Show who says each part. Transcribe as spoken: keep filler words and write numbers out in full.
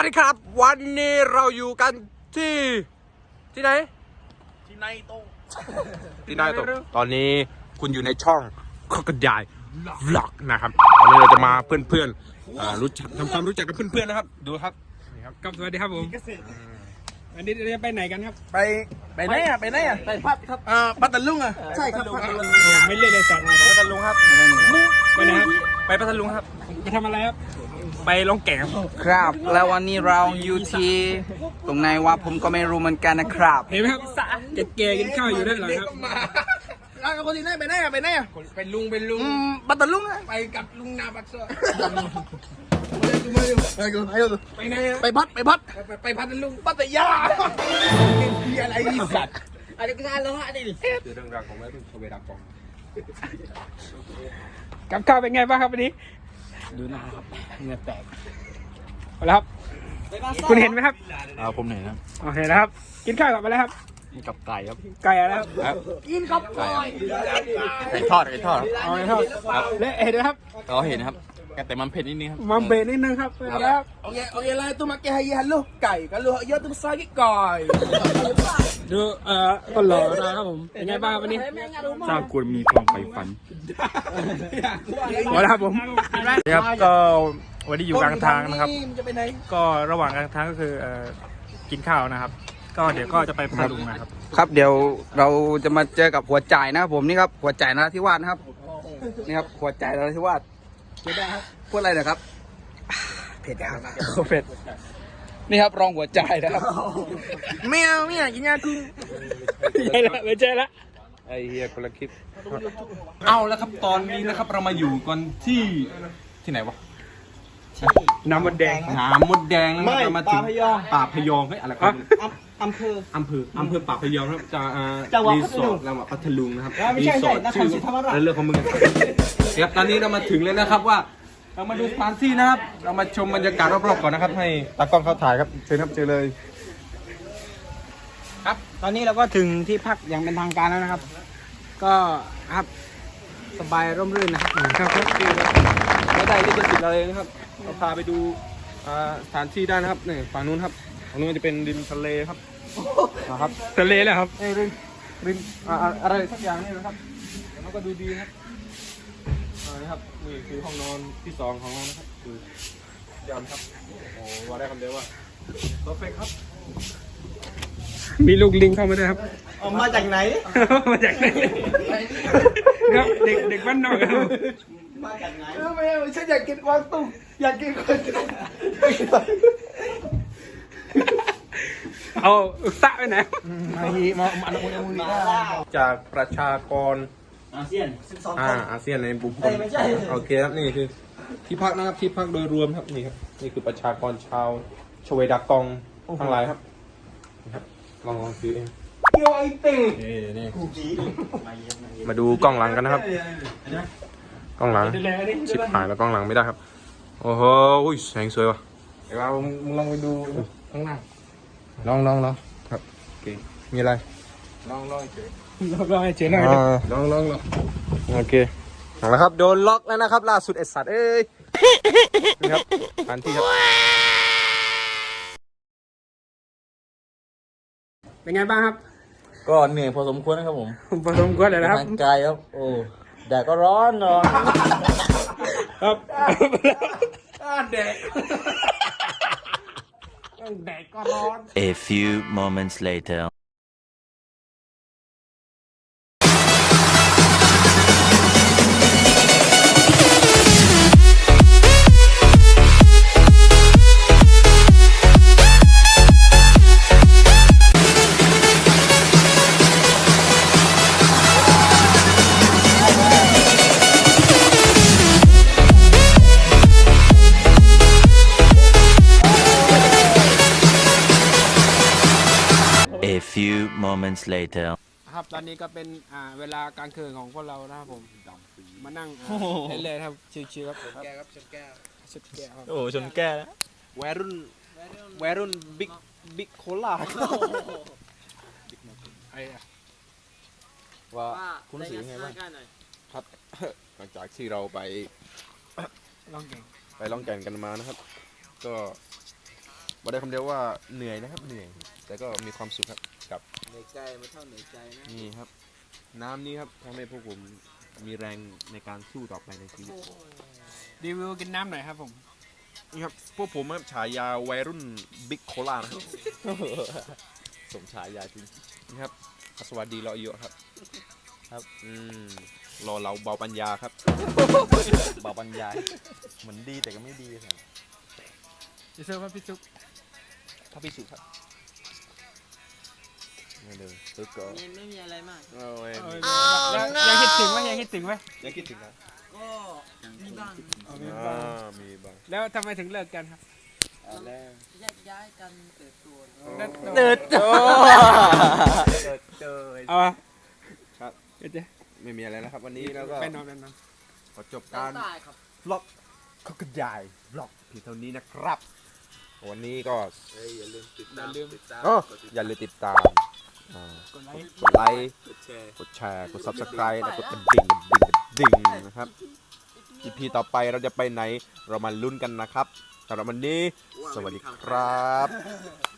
Speaker 1: ดีครับวันนี้เราอยู่กันที่ที่ไหนที่ไหนโตที่ไหนโตตอนนี้คุณอยู่ในช่องข้อกระจายวล็อกนะครับตอนนี้เราจะมาเพื่อนๆรู้จักทำความรู้จักกับเพื่อนๆนะครับดูครับนี่ครับ
Speaker 2: ครับสวัสดีครับผมอันนี้เราจะไปไหนกันครับ
Speaker 3: ไปไปไหนอ่ะไปไหนอ่ะไปพัดครับอ่าพัทลุงอ่ะใช่ครับพัทลุง
Speaker 2: ไม่เล่นเลยสัตว์
Speaker 1: พัทลุงครับ
Speaker 2: ไปไหนครับ
Speaker 1: ไปพัทลุงครับ
Speaker 2: ไปทำอะไรครับไปลงแก่งครับ
Speaker 3: ครับแล้ววันนี้เราอยู่ที่ตรงไหนวะผมก็ไม่รู้เหมือนกันนะครับ
Speaker 2: เห็นไหมครับแก่ๆกินข้าวอยู่ด้านหลังครับ
Speaker 3: แล้วคนที่ไหนไปไหนอ่ะไปไหนอ่ะ
Speaker 1: เป็นลุงเป็นลุง
Speaker 3: พัทลุงอ่ะ
Speaker 1: ไปกับลุงนาบักเซอร์
Speaker 3: ไปกันไปกัน
Speaker 1: ไปไหน
Speaker 3: ไปพัดไปพัด
Speaker 1: ไปพัทลุง
Speaker 3: พัทยามีอะไรอีสัตว์
Speaker 1: อะไรก็ได้แล้วฮะนี่คือเรื่องราวของแม่รุ่นชเวดากอง
Speaker 2: กับข้าวเป็นไงบ้างครับวันนี้
Speaker 3: ดูหน้าครับเนื้อแตก
Speaker 2: เอาละครับคุณเห็นไหมครับ
Speaker 3: อ่าผมเห็นครับ
Speaker 2: โอเคนะครับกินข้าวกับอะไรครับ
Speaker 3: กับไก่ครับ
Speaker 2: ไก่อะไรครับ
Speaker 3: กินกับไก่ไก่ทอดไก่ทอด
Speaker 2: เอาไก่ทอดและเห็นไหมครับ
Speaker 3: เราเห็นครับแต่มันเผ็ดนิดนึงครับ
Speaker 2: มันเผ็ดนิดนึงครับครับ
Speaker 3: โอเคโอเคแล้วตัวมาแกให้ยันลูกไก่กันลูกเยอะตัวซากิไก่
Speaker 2: ดูเอ่อก็หล่อนะครับผมเป็นไงบ้างวันนี้
Speaker 4: สร้างควรมีความใฝ่ฝัน
Speaker 2: หมดแล้วครับผม
Speaker 4: ครับก็วันนี้อยู่กลางทางนะครับก็ระหว่างกลางทางก็คือกินข้าวนะครับก็เดี๋ยวก็จะไปพัทลุงนะครับ
Speaker 3: ครับเดี๋ยวเราจะมาเจอกับหัวใจนะครับผมนี่ครับหัวใจนราธิวาสนะครับนี่ครับหัวใจนราธิวาสพูดอะไรนะครับเผ็ดครับ
Speaker 2: เผ็ด
Speaker 3: นี่ครับรองหัวใจนะครับเมียวเมียกินยาคุง
Speaker 2: ใช่ละไม่ใช่ละ
Speaker 1: ไอเฮียคนละคลิป
Speaker 4: เอาแล้วครับตอนนี้นะครับเรามาอยู่กันที่ที่ไหนวะ
Speaker 2: น้ำมดแดง
Speaker 4: น้ำมดแดงเรามาถึงป่าพยองเฮ้ยอะไรครับ
Speaker 3: อำเภอ
Speaker 4: อำเภออำเภอป่าพยองครับจะรีสอร์ทเราพัทลุงนะครับรีสอร์ทชื่อเรื่องของมึงครับตอนนี้เรามาถึงแล้วนะครับว่าเรามาดูสถานที่นะครับเรามาชมบรรยากาศรอบๆก่อนนะครับให้ตากล้องเขาถ่ายครับเชิญครับเจอเลย
Speaker 2: ครับตอนนี้เราก็ถึงที่พักอย่างเป็นทางการแล้วนะครับก็ครับสบายร่มรื่นนะครับ
Speaker 4: ครับครับไม่ได้ที่จะติดเราเลยนะครับเราพาไปดูสถานที่ได้นะครับนี่ฝั่งนู้นครับฝั่งนู้นจะเป็นริมทะเลครับ
Speaker 2: นะครับทะเลแล้วครับ
Speaker 4: ริมริมอะไรสักอย่างนี่นะครับแล้วก็ดูดีครับนะครับนี่คือห้องนอนที่สองของเรานะครับคือยามครับโอ้ว่าได้คำเดียวว่าเพอร์เฟคครับ
Speaker 2: มีลูกลิงเข้ามาด้วยครับ
Speaker 3: มาจากไหน
Speaker 2: มาจากไหนครับเด็กเด็กบ้านนอกครับ
Speaker 3: มาจากไหนไม่ไม่ฉันอยากกินกวางตุ้งอยากกินกวางตุ้ง
Speaker 2: เอาอุตะไปไหน
Speaker 3: มาฮีมาอันนั้นมึง
Speaker 1: จากประชากร
Speaker 3: อาเซียนสิบสอง
Speaker 1: คนอาเซียนในบุคคลโอเคครับนี่คือที่พักนะครับที่พักโดยรวมครับนี่ครับนี่คือประชากรชาวชเวดากองทั้งหลายครับลองลองซื้อเอง
Speaker 3: เกี่ยวไอติ่ง
Speaker 1: นี่มาดูกล้องหลังกันนะครับกล้องหลังชิบหายแล้วกล้องหลังไม่ได้ครับโอ้โหแสงสวยว่ะ
Speaker 4: เดี๋ยวเรามึงลองไปดูข้างหน้า
Speaker 1: ลองลองลองครับโอเคมีอะไร
Speaker 4: ลองลองเฉย
Speaker 2: ลองให้เฉยหน่อย
Speaker 1: ลองลองลองโอเคเอาละครับโดนล็อกแล้วนะครับล่าสุดไอสัตว์เอ้ยนี่ครับทันที่ครับ
Speaker 2: เป็นไงบ้างครับ
Speaker 3: ก็เหนื่อยพอสมควรนะครับผม
Speaker 2: พอสมควรเลยนะครับ
Speaker 3: ร่างกายครับโอ้แดดก็ร้อนเนาะ
Speaker 2: ครับ
Speaker 3: แดดแดดก็ร้อน
Speaker 5: A few moments later A few moments later
Speaker 2: ครับตอนนี้ก็เป็นอ่าเวลากลางคืนของพวกเรานะครับผมมานั่งเล่นเลยครับชิวๆครับ
Speaker 3: แก้วครับชนแก้ว
Speaker 2: ชนแก้ว
Speaker 4: โอ้ชนแก้ว
Speaker 3: วัยรุ่นวัยรุ่นบิ๊กบิ๊กโคล่า
Speaker 4: ไอ้ว่าคุณรู้สึกยังไงบ้างครับหลังจากที่เราไป
Speaker 2: ล่องแก่ง
Speaker 4: ไปล่องแก่งกันมานะครับก็
Speaker 1: บอกได้คำเดียวว่าเหนื่อยนะครับเหนื่อย แต่ก็มีความสุขครับกับ
Speaker 2: เหนื่อยใจไม่เท่าเหนื่อยใจนะ
Speaker 1: นี่ครับ น้ำนี้ครับทำให้พวกผมมีแรงในการสู้ต่อไปในชีวิต
Speaker 2: รีวิวกินน้ำหน่อยครับผม
Speaker 1: นี่ครับพวกผมครับฉายาวัยรุ่นบิ๊กโคลานะครับ สมฉายาจริงนี่ครับสวัสดีรอเยอะครับครับอืมรอเราเบาปัญญาครับ
Speaker 3: เบาบรรยายเหมือนดีแต่ก็ไม่ดีครับ
Speaker 2: พี่ซุปครับพี่ซุป
Speaker 1: พระพิสุครับนี่เลยตึกก็
Speaker 6: ไม่มีอะไรมาก
Speaker 1: โอ้ย
Speaker 2: ยังคิดถึงไหมยังคิดถึงไหม
Speaker 1: ยังคิดถึงนะ
Speaker 6: ก็มีบ้าง
Speaker 1: อ่ามีบ้าง
Speaker 2: แล้วทำไมถึงเลิกกันครับ
Speaker 6: แยกย้ายกันเติบโต
Speaker 2: เดิด
Speaker 1: โอ้
Speaker 2: เอา
Speaker 1: ครับ
Speaker 2: เดี๋ยว
Speaker 1: ไม่มีอะไรแล้วครับวันนี้แล้วก็
Speaker 2: ไปนอนไปนอน
Speaker 1: ขอจบ
Speaker 6: กา
Speaker 1: การ ร
Speaker 6: ตายครับ
Speaker 1: บล็อกเขากระจายบล็อกเพียงเท่านี้นะครับ วันนี้ก็
Speaker 2: อย่าลืม
Speaker 1: อ๋ออย่าลืมติดตามอ่าก
Speaker 2: ดไลค์
Speaker 1: กดไลค์ กดแชร์ กด ซับสไครบ์ และกดกระดิ่งกระดิ่งกระดิ่งนะครับ อี พี ต่อไปเราจะไปไหน เรามาลุ้นกันนะครับสำหรับวันนี้ สวัสดีครับ